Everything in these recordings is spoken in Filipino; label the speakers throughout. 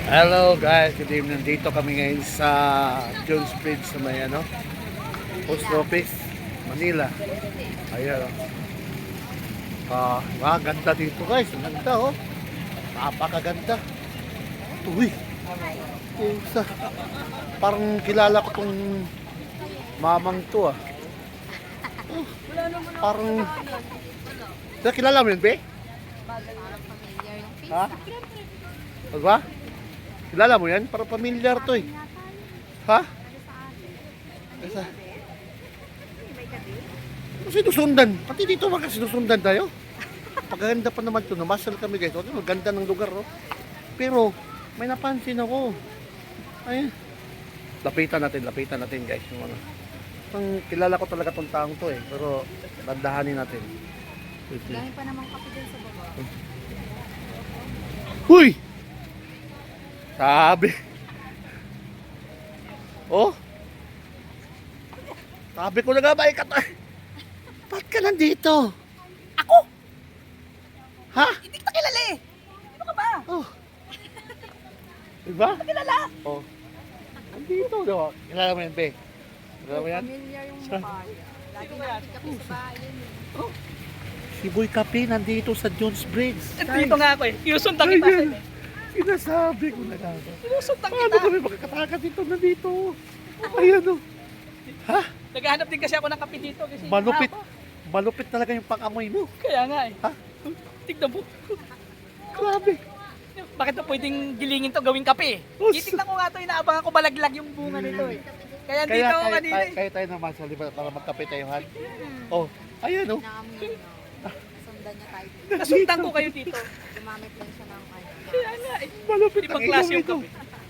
Speaker 1: Hello guys, good evening. Dito kami ngayon sa Jones Bridge sa may Post Office, Manila. Ayan ganda dito guys. Ang ganda Napakaganda. Uy. Isa. Parang kilala ko tong mamang to Parang kilala mo yun, be? Ha? Ba? Kilala mo yan? Parang familiar to Ha? Sinusundan. Pati dito sinusundan tayo. Paganda pa naman ito. Namasyal kami guys. Maganda ng lugar. Pero may napansin ako. Ayun. Lapitan natin guys. Kilala ko talaga tong taong to Pero dandahanin natin.
Speaker 2: Galing pa naman kape dun sa baba.
Speaker 1: Huy! Sabi. Sabi ko na nga ba ba't ka nandito?
Speaker 3: Ako?
Speaker 1: Ha?
Speaker 3: Hindi kita kilala Ano ka ba?
Speaker 1: Diba?
Speaker 3: Kilala?
Speaker 1: Nandito daw. Kilala mo yan, be? Kilala mo yan?
Speaker 2: Familiar yung mukha niya. Lagi nakikita sa bahay yun
Speaker 1: Si Boy Kape nandito sa Jones Bridge.
Speaker 3: Dito nga ako Inusundan kita.
Speaker 1: Sinasabi ko na nga.
Speaker 3: Inusundan
Speaker 1: Paano
Speaker 3: kita.
Speaker 1: kami magkakatakas dito nandito? Ayan Ha?
Speaker 3: Naghahanap din kasi ako ng kape dito. Kasi
Speaker 1: Malupit.
Speaker 3: Ako.
Speaker 1: Malupit talaga yung pang-amoy mo.
Speaker 3: Kaya nga
Speaker 1: Ha?
Speaker 3: Tignan mo.
Speaker 1: Grabe.
Speaker 3: Bakit na pwedeng gilingin to gawing kape? Titignan ko nga to. Inaabangan ko balaglag yung bunga nito Kaya dito ako kanina
Speaker 1: Kaya tayo naman sa liba para magkape tayo, Han. Ayan
Speaker 2: Naamoy niyo. Nasundan niya tayo dito.
Speaker 3: Nasundan ko kayo dito.
Speaker 2: Gumamit lang siya ng
Speaker 3: Kaya nga
Speaker 1: Malupit
Speaker 3: Ibang klase yung kape.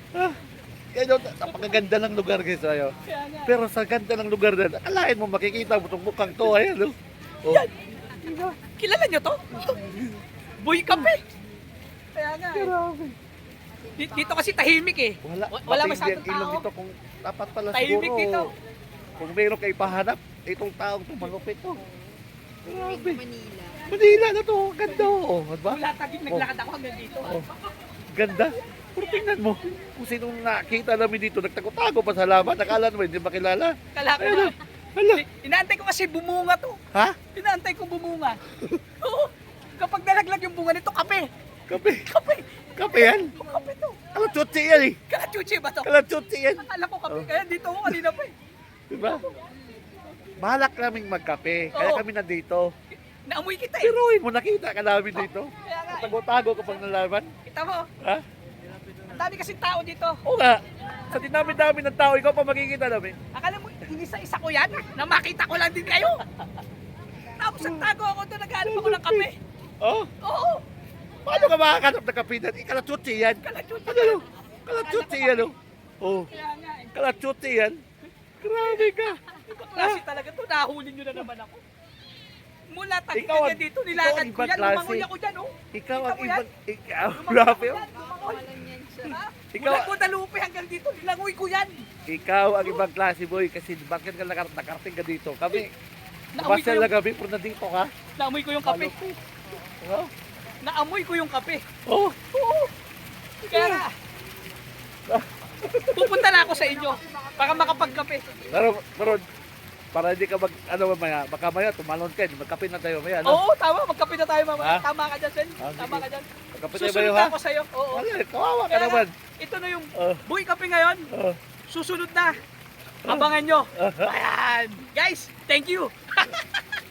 Speaker 1: Napakaganda ng lugar guys.
Speaker 3: Kaya nga.
Speaker 1: Pero sa ganda ng lugar na, akalain mo makikita mo itong mukhang to. Ayan
Speaker 3: Yan. Kilala nyo to? Boy kape. Kaya nga
Speaker 1: Grabe.
Speaker 3: Dito kasi tahimik Wala masyadong
Speaker 1: matindi ang ilong
Speaker 3: tao.
Speaker 1: dito kung dapat pala
Speaker 3: Tahimik
Speaker 1: siguro.
Speaker 3: dito.
Speaker 1: Kung meron kayo pahanap, itong taong to malupit Grabe.
Speaker 2: Manila.
Speaker 1: Manila na to. Ganda Diba?
Speaker 3: Mula tagig naglakad ako hanggang dito.
Speaker 1: Ganda. Pero tingnan mo, kung sinong nakita namin dito, nagtago-tago pa sa laman, nakala naman hindi makilala.
Speaker 3: Kala ko
Speaker 1: Ayun
Speaker 3: na.
Speaker 1: Hala.
Speaker 3: Inaantay ko kasi bumunga to.
Speaker 1: Ha?
Speaker 3: Inaantay ko bumunga. Oo. Kapag nalaglag yung bunga nito, kape.
Speaker 1: Kape.
Speaker 3: Kape.
Speaker 1: Kape yan?
Speaker 3: Kape to.
Speaker 1: Kalatutsi yan
Speaker 3: Kalachuchi ba to?
Speaker 1: Kalatutsi yan.
Speaker 3: Akala ko kape. Kaya dito ako kanina pa
Speaker 1: Diba? Balak naming magkape, kaya
Speaker 3: Oo.
Speaker 1: kami nandito.
Speaker 3: Naamoy kita
Speaker 1: Pero mo nakita ka namin dito.
Speaker 3: Kaya nga
Speaker 1: Tago-tago kapag nalaman.
Speaker 3: Kita mo.
Speaker 1: Ha?
Speaker 3: Ang dami kasing tao dito.
Speaker 1: Oo nga. Sa dinami-dami ng tao, ikaw pa makikita namin.
Speaker 3: Akala mo, inisa-isa ko yan na makita ko lang din kayo. Tapos nagtago ako doon, naghanap ako ng kape. Oo.
Speaker 1: Paano ka makakanap ng kape na? Kalatutsi yan.
Speaker 3: Kalachuchi.
Speaker 1: Kalatutsi yan
Speaker 3: Kaya nga
Speaker 1: Kalatutsi yan. Grabe ka.
Speaker 3: Ibang klase talaga to. Nahuli nyo na naman ako. Mula tagig
Speaker 1: Ikaw ang-
Speaker 3: na dito, nilakad
Speaker 1: ikaw
Speaker 3: ko
Speaker 1: ang
Speaker 3: yan.
Speaker 1: ibang
Speaker 3: Lumangoy
Speaker 1: klase.
Speaker 3: ako dyan,
Speaker 1: Ikaw ang
Speaker 3: Kita mo yan?
Speaker 1: Ikaw, grabe
Speaker 2: Walang yan siya.
Speaker 1: Ikaw-
Speaker 3: Mula Guadalupe hanggang dito, nilangoy ko yan.
Speaker 1: Ikaw ang ibang klase boy kasi bakit ka nakarating ka dito? Kami,
Speaker 3: Naamoy ko
Speaker 1: basel
Speaker 3: yung,
Speaker 1: na gabi, pero nandito ka.
Speaker 3: naamoy ko yung kape. Naamoy ko yung kape.
Speaker 1: Oh,
Speaker 3: Oo. Kaya nga, pupunta na ako sa inyo para makapagkape.
Speaker 1: pero para hindi ka mamaya, baka maya tumalon ka, magkape na tayo maya,
Speaker 3: Oo, tama. Magkape na tayo mamaya.
Speaker 1: Ha?
Speaker 3: Tama ka dyan, Sen.
Speaker 1: Ah,
Speaker 3: Tama
Speaker 1: sige.
Speaker 3: ka dyan.
Speaker 1: Magkape tayo
Speaker 3: Susunod
Speaker 1: ba
Speaker 3: na
Speaker 1: ha?
Speaker 3: ako sa'yo. Oo.
Speaker 1: Wala, kawawa ka
Speaker 3: Kaya nga,
Speaker 1: naman.
Speaker 3: ito na yung
Speaker 1: Oh,
Speaker 3: Boy Kape ngayon.
Speaker 1: oh.
Speaker 3: Susunod na. Abangan nyo. Ayan. Guys, thank you.